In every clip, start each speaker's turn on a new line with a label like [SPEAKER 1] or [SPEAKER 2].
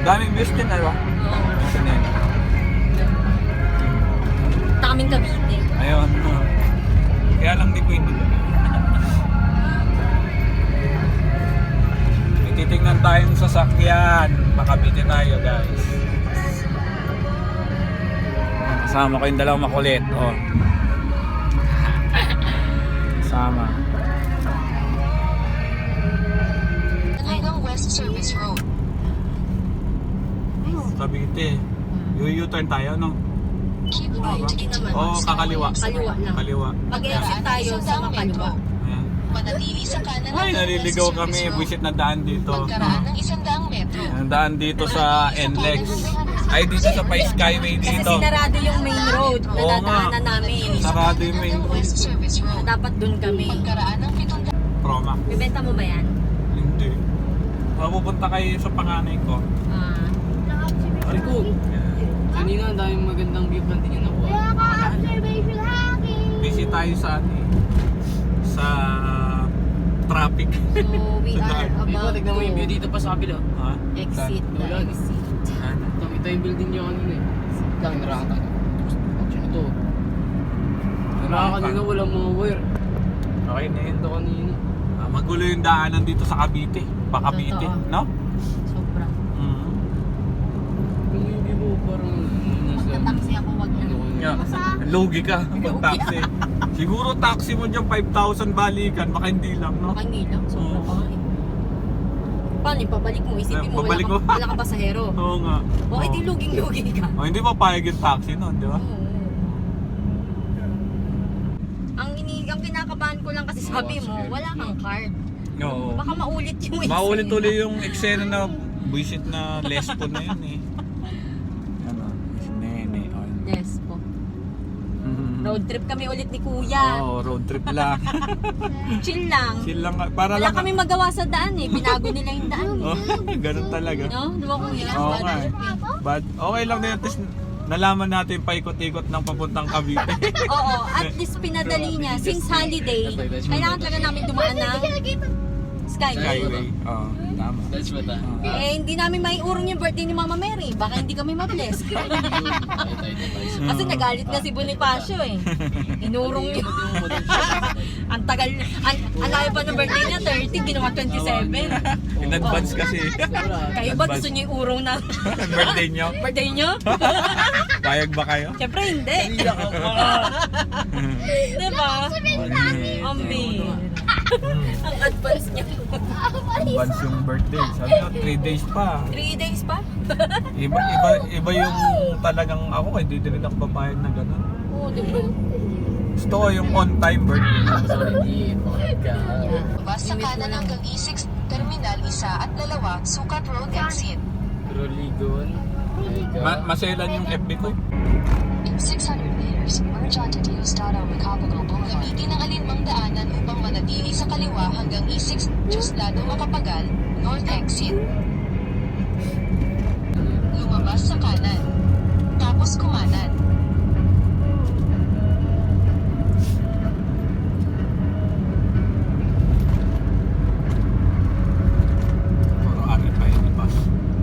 [SPEAKER 1] Daming views din, ano ba?
[SPEAKER 2] Oo.
[SPEAKER 1] Sinene.
[SPEAKER 2] Taming Cavite.
[SPEAKER 1] Ayun. Kaya lang di ko hindi. May titignan tayong sasakyan. Makabiti tayo, guys. Kasama ko yung dalawang makulit. Oh. Kasama.
[SPEAKER 3] Hanggang West Service Road.
[SPEAKER 1] Cavite. U-turn tayo, no?
[SPEAKER 3] Keep right into
[SPEAKER 1] Oo, kakaliwa.
[SPEAKER 2] Kaliwa lang.
[SPEAKER 1] Kaliwa.
[SPEAKER 2] Mag-exit tayo sa makaliwa.
[SPEAKER 1] Ayan.
[SPEAKER 3] Manatili sa kanan
[SPEAKER 1] Ay,
[SPEAKER 3] hanggang
[SPEAKER 1] naliligaw
[SPEAKER 3] West
[SPEAKER 1] kami.
[SPEAKER 3] Service Road.
[SPEAKER 1] Buisit na daan dito.
[SPEAKER 3] Pagkaraan ng 100 metro.
[SPEAKER 1] Ang daan dito sa NLEX. Ay, dito sa Pai Skyway
[SPEAKER 2] Kasi
[SPEAKER 1] dito.
[SPEAKER 2] sinarado yung main road na
[SPEAKER 1] Oo nga.
[SPEAKER 2] dadaanan namin.
[SPEAKER 1] Sarado yung main
[SPEAKER 3] Hanggang
[SPEAKER 1] road.
[SPEAKER 3] West Service
[SPEAKER 2] Na
[SPEAKER 3] Road.
[SPEAKER 2] dapat dun kami.
[SPEAKER 3] Pagkaraan ng 700.
[SPEAKER 1] Proma.
[SPEAKER 2] Bibenta mo ba yan?
[SPEAKER 1] Hindi. Mapupunta kayo sa panganay ko.
[SPEAKER 2] Ah.
[SPEAKER 4] Rico, kanina ang daming magandang view plan din yung nakuha.
[SPEAKER 1] Busy tayo sa ano eh. Sa traffic.
[SPEAKER 2] So, we
[SPEAKER 1] Sa
[SPEAKER 2] are
[SPEAKER 1] daan.
[SPEAKER 4] Rico,
[SPEAKER 2] about
[SPEAKER 4] tignan mo yung view
[SPEAKER 2] to
[SPEAKER 4] dito pa sa kabila.
[SPEAKER 1] Ha?
[SPEAKER 2] exit the
[SPEAKER 4] Ulan.
[SPEAKER 2] exit.
[SPEAKER 1] Ano?
[SPEAKER 4] Nakita yung building niya kanina eh. Lang, narakata. Action ito. Kanina walang mga wire.
[SPEAKER 1] Okay na yun.
[SPEAKER 4] Ito kanina.
[SPEAKER 1] Magulo yung daanan dito sa Cavite. Cavite,
[SPEAKER 2] Totoo.
[SPEAKER 1] no?
[SPEAKER 2] Sobra.
[SPEAKER 4] Kung yung view mo parang
[SPEAKER 2] Magta-taxi ako, wag na.
[SPEAKER 1] Yeah. Lugi ka pag taxi. Siguro taxi mo dyan 5,000 balikan, baka hindi lang, no?
[SPEAKER 2] Baka hindi lang, sobra pa nga eh. Paano yung pabalik mo? Isipin mo,
[SPEAKER 1] Pabalik
[SPEAKER 2] wala,
[SPEAKER 1] mo.
[SPEAKER 2] wala ka pasahero.
[SPEAKER 1] Oo nga.
[SPEAKER 2] O, edi luging-lugi ka.
[SPEAKER 1] Oh, hindi pa payag yung taxi nun, di ba?
[SPEAKER 2] Oo. Ang kinakabahan ko lang kasi sabi mo, wala kang card.
[SPEAKER 1] Oo.
[SPEAKER 2] Baka maulit yung eksena.
[SPEAKER 1] Maulit-ulit yung eksena na buisit na lespo na yun eh. Ano? Si Nene. Oh.
[SPEAKER 2] Yes po.
[SPEAKER 1] Mhm.
[SPEAKER 2] Road trip kami ulit ni Kuya.
[SPEAKER 1] Oo, road trip lang.
[SPEAKER 2] Chill lang.
[SPEAKER 1] Chill lang. Para
[SPEAKER 2] Wala
[SPEAKER 1] lang.
[SPEAKER 2] kami magawa sa daan eh. Binago nila yung daan eh.
[SPEAKER 1] Oh, ganun talaga.
[SPEAKER 2] No? Di ba Kuya?
[SPEAKER 1] Oo nga eh. But okay lang din. At least nalaman natin paikot-ikot ng papuntang Cavite.
[SPEAKER 2] Oo, at least pinadali niya. Since holiday, kailangan talaga namin dumaan ng Skyway.
[SPEAKER 1] Skyway. Oo, tama.
[SPEAKER 4] That's what
[SPEAKER 2] Eh, hindi namin maiurong yung birthday ni Mama Mary. Baka hindi kami ma-bless. Kasi nagalit na si Bonifacio eh. Inurong niyo. Ang tagal, ang layo pa ng birthday niya, 30, ginawa 27.
[SPEAKER 1] In advance kasi.
[SPEAKER 2] Kayo ba gusto niyo iurong na
[SPEAKER 1] Birthday nyo.
[SPEAKER 2] birthday niyo?
[SPEAKER 1] Payag ba kayo?
[SPEAKER 2] Siyempre hindi. Diba? Ambi. Ang advance niya.
[SPEAKER 1] Advance yung birthday. Sabi ko, 3 days pa.
[SPEAKER 2] 3 days pa?
[SPEAKER 1] Iba yung talagang ako, hindi din ako papayag na gano'n.
[SPEAKER 2] Oo, diba?
[SPEAKER 1] Gusto ko yung on-time birthday.
[SPEAKER 3] Bus sa kanan hanggang E6, Terminal 1 at 2, Sukat Road Exit.
[SPEAKER 4] Roligon.
[SPEAKER 1] Maselan yung FB ko.
[SPEAKER 3] In 600 meters, merge onto Diosdado Macapagal Boulevard. Gamitin ang alinmang daanan upang manatili sa kaliwa hanggang E6, Diosdado Macapagal, North Exit. Lumabas sa kanan. Tapos kumanan.
[SPEAKER 1] Puro ari pa yun, bus.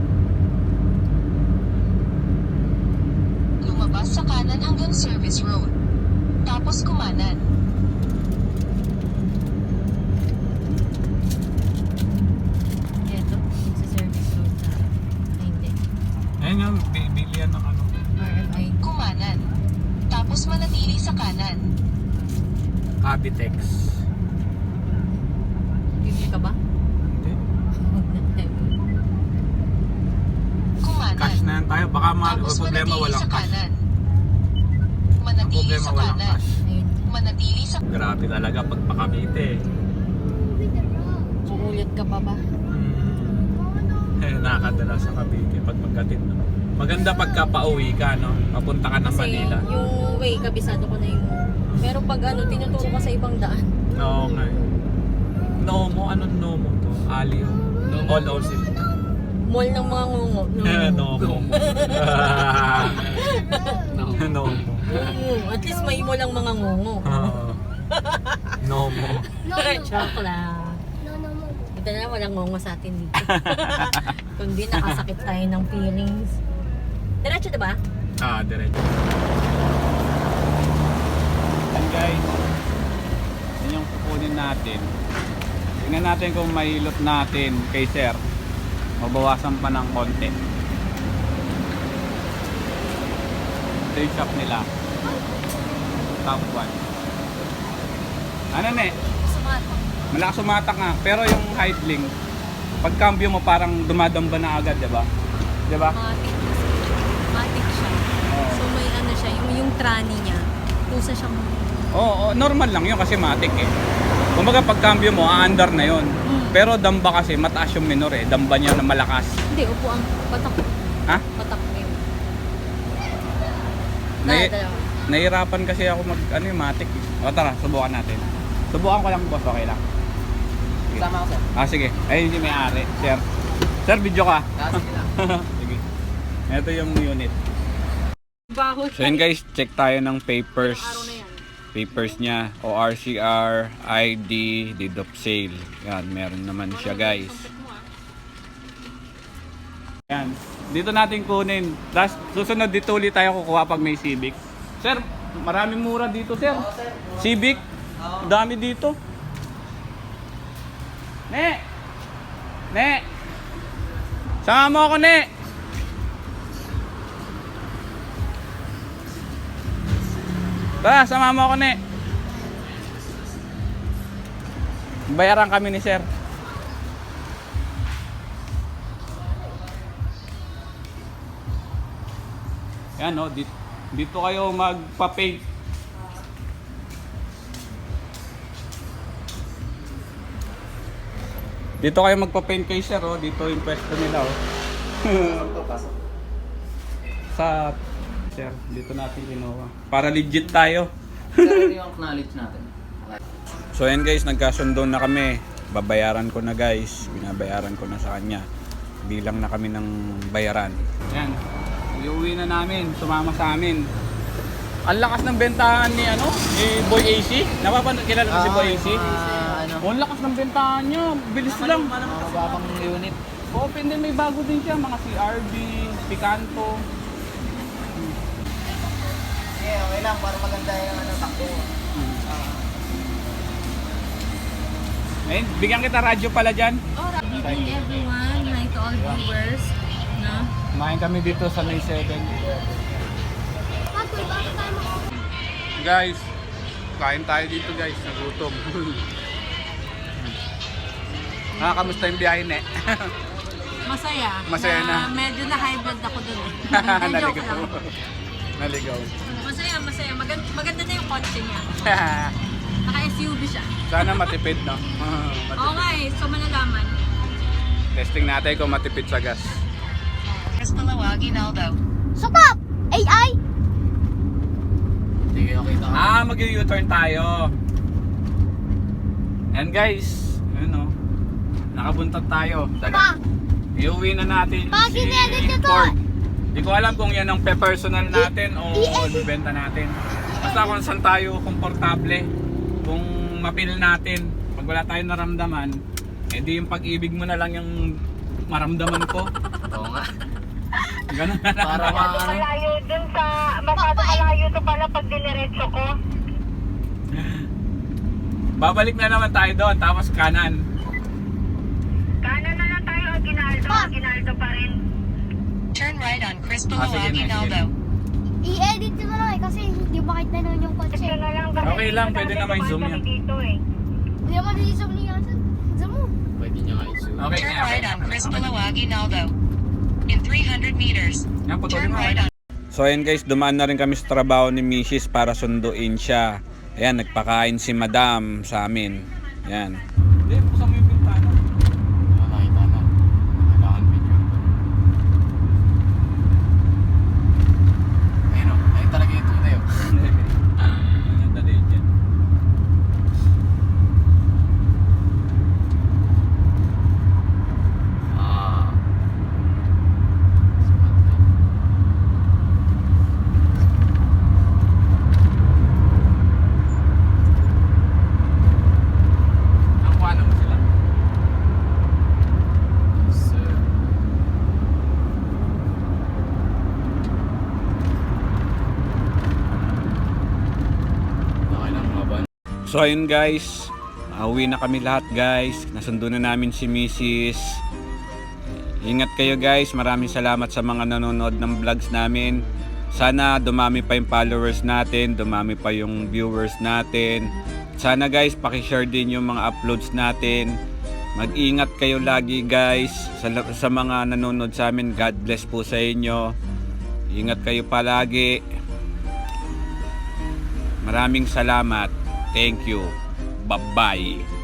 [SPEAKER 3] Lumabas sa kanan hanggang Service Road. Tapos kumanan.
[SPEAKER 2] Ito, sa service road na. Ay, hindi.
[SPEAKER 1] Ayun yung bilihan ng ano.
[SPEAKER 2] RMI.
[SPEAKER 3] Kumanan. Tapos manatili sa kanan.
[SPEAKER 1] Cavitex.
[SPEAKER 2] Bibili ka ba?
[SPEAKER 1] Hindi.
[SPEAKER 3] Kumanan.
[SPEAKER 1] Cash na yan tayo. Baka
[SPEAKER 3] Tapos
[SPEAKER 1] problema
[SPEAKER 3] manatili
[SPEAKER 1] walang
[SPEAKER 3] sa
[SPEAKER 1] cash.
[SPEAKER 3] kanan. Manatili
[SPEAKER 1] Problema
[SPEAKER 3] sa
[SPEAKER 1] walang
[SPEAKER 3] kanan.
[SPEAKER 1] cash.
[SPEAKER 2] Ayun.
[SPEAKER 3] Manatili sa
[SPEAKER 1] Grabe talaga pag pa-Cavite.
[SPEAKER 2] Uulit ka pa ba?
[SPEAKER 1] Nakakadala sa Cavite pag magkatid. No? Maganda pagka pauwi ka, no? Papunta ka ng
[SPEAKER 2] Kasi
[SPEAKER 1] Manila.
[SPEAKER 2] yung way, kabisado ko na yung... Pero pag ano, tinuturo ka sa ibang daan.
[SPEAKER 1] Oo nga. Nomo, anong Nomo to? Aliw. All Osil.
[SPEAKER 2] Mall ng mga ngungo.
[SPEAKER 1] Nomo. Nomo.
[SPEAKER 2] At least may mall ang mga ngungo.
[SPEAKER 1] Nomo.
[SPEAKER 2] Joke lang. Ito Buti na lang walang ngongo sa atin dito. Kundi nakasakit tayo ng feelings. Diretso diba?
[SPEAKER 1] Diretso. And guys, yun yung kukunin natin. Tingnan natin kung mahilot natin kay sir. Mabawasan pa ng konti. Ito yung shop nila. Top 1. Ano ne?
[SPEAKER 2] Sumatak.
[SPEAKER 1] Malakas sumatak nga. Pero yung idling, pag cambio mo parang dumadamba na agad, diba? Diba?
[SPEAKER 2] Matik kasi. Matik siya.
[SPEAKER 1] Oo.
[SPEAKER 2] So may ano siya, yung tranny niya. Pusa siyang...
[SPEAKER 1] Oo, normal lang yun kasi matik eh. Kumbaga pag cambio mo, aandar na yun. Pero damba kasi, mataas yung minor eh. Damba niya na malakas.
[SPEAKER 2] Hindi, upo ang patak.
[SPEAKER 1] Ha?
[SPEAKER 2] Patak mo yun.
[SPEAKER 1] Nai-
[SPEAKER 2] Dalawa.
[SPEAKER 1] Nahirapan kasi ako mag, ano yung matik eh. O tara, subukan natin. Subukan ko lang boss, okay lang. Sige.
[SPEAKER 4] Sama ako, sir.
[SPEAKER 1] Sige. Ayun yung may-ari. Sir. Sir, video ka.
[SPEAKER 4] Sige lang.
[SPEAKER 1] Sige. Ito yung unit.
[SPEAKER 2] Baho
[SPEAKER 1] So yun guys, check tayo ng papers.
[SPEAKER 2] Araw na yan.
[SPEAKER 1] Papers niya, ORCR, ID, deed of sale. Yan, meron naman siya guys. Yan. Dito natin kunin. Tapos susunod dito ulit tayo kukuha pag may Civic. Sir, maraming mura dito sir. Civic, dami dito. Ne! Ne! Sama mo ako, Ne! Tara, sama mo ako, Ne! Bayaran kami ni sir. Yan o, dito kayo magpa-paint. Dito kayo magpa-paint kay sir oh. Dito yung pwesto nila oh. Sa sir, dito natin kinuha. Para legit tayo.
[SPEAKER 4] Sir, yung acknowledge natin.
[SPEAKER 1] So yan guys, nagkasundo na kami. Babayaran ko na guys. Binabayaran ko na sa kanya. Bilang na kami ng bayaran. Yan. Iuwi na namin. Sumama sa amin. Ang lakas ng bentahan ni ano? Ni Boy AC. Kilala ko si Boy AC?
[SPEAKER 4] Ano?
[SPEAKER 1] Oh, ang lakas ng bentahan niya. Bilis lang.
[SPEAKER 4] Mababang unit.
[SPEAKER 1] Open din, may bago din siya. Mga CRV, Picanto.
[SPEAKER 4] Okay lang, para maganda yung takbo.
[SPEAKER 1] Eh, bigyan kita radyo pala dyan.
[SPEAKER 2] Good evening everyone. Hi to all viewers. No?
[SPEAKER 1] Kumain kami dito sa May 7. Guys, kain tayo dito guys. Nagutom. Kamusta yung biyahe, Ne?
[SPEAKER 2] Masaya.
[SPEAKER 1] Masaya na.
[SPEAKER 2] Medyo na high blood ako dun eh. Joke
[SPEAKER 1] Naligaw.
[SPEAKER 2] lang.
[SPEAKER 1] Naligaw.
[SPEAKER 2] Masaya. Maganda na yung kotse niya. Naka-SUV siya.
[SPEAKER 1] Sana matipid, no?
[SPEAKER 2] Oo nga eh. So malalaman.
[SPEAKER 1] Testing natin kung matipid sa gas.
[SPEAKER 3] Malawag, Ginaldo.
[SPEAKER 5] Stop! AI!
[SPEAKER 4] Sige, okay ka.
[SPEAKER 1] Mag-U-turn tayo. And guys, ano, nakabuntag tayo.
[SPEAKER 5] Pa!
[SPEAKER 1] Iuwi na natin
[SPEAKER 5] Pa,
[SPEAKER 1] si
[SPEAKER 5] ginedit niyo to.
[SPEAKER 1] Ford. Di ko alam kung yan ang pe-personal natin o
[SPEAKER 5] i-edit.
[SPEAKER 1] ibenta natin. Basta kung saan tayo komportable, kung mapil natin, pag wala tayong naramdaman, edi yung pag-ibig mo na lang yung maramdaman ko.
[SPEAKER 4] Oo nga.
[SPEAKER 1] Ganun na lang.
[SPEAKER 4] Para maano.
[SPEAKER 6] Malayo dun sa, masyado malayo to pala pag diniretso ko.
[SPEAKER 1] Babalik na naman tayo doon, tapos kanan.
[SPEAKER 6] Kanan na lang tayo, Aguinaldo. Aguinaldo pa rin.
[SPEAKER 3] Turn right on Chris
[SPEAKER 1] sige
[SPEAKER 3] Malawag,
[SPEAKER 1] na,
[SPEAKER 3] Ginaldo.
[SPEAKER 5] I-edit nyo na lang eh kasi hindi makita na yung kotse.
[SPEAKER 6] Ito na lang.
[SPEAKER 1] Okay lang, pwede na may zoom yan.
[SPEAKER 6] Dito eh.
[SPEAKER 5] Hindi naman i-zoom niya. Zoom mo.
[SPEAKER 4] Pwede niya nga i-zoom.
[SPEAKER 1] Okay,
[SPEAKER 3] Turn right on Chris Malawag, Ginaldo. In 300 meters,
[SPEAKER 1] yan, putulin
[SPEAKER 3] turn
[SPEAKER 1] mo.
[SPEAKER 3] right on.
[SPEAKER 1] So ayan guys, dumaan na rin kami sa trabaho ni Mrs. para sunduin siya. Ayan, nagpakain si Madam sa amin. Ayan. Hindi, buksan mo yung pintana.
[SPEAKER 4] Nakita na. Kailangan video. Ayun o. Ayun talaga yung tunay o.
[SPEAKER 1] Ayan, the legend. Ang So ayun guys, uwi na kami lahat guys. Nasundo na namin si Mrs. Ingat kayo guys. Maraming salamat sa mga nanonood ng vlogs namin. Sana dumami pa yung followers natin, dumami pa yung viewers natin. Sana guys, pakishare din yung mga uploads natin. Mag-ingat kayo lagi guys. Sa mga nanonood sa amin, God bless po sa inyo. Ingat kayo palagi. Maraming salamat. Thank you. Bye-bye.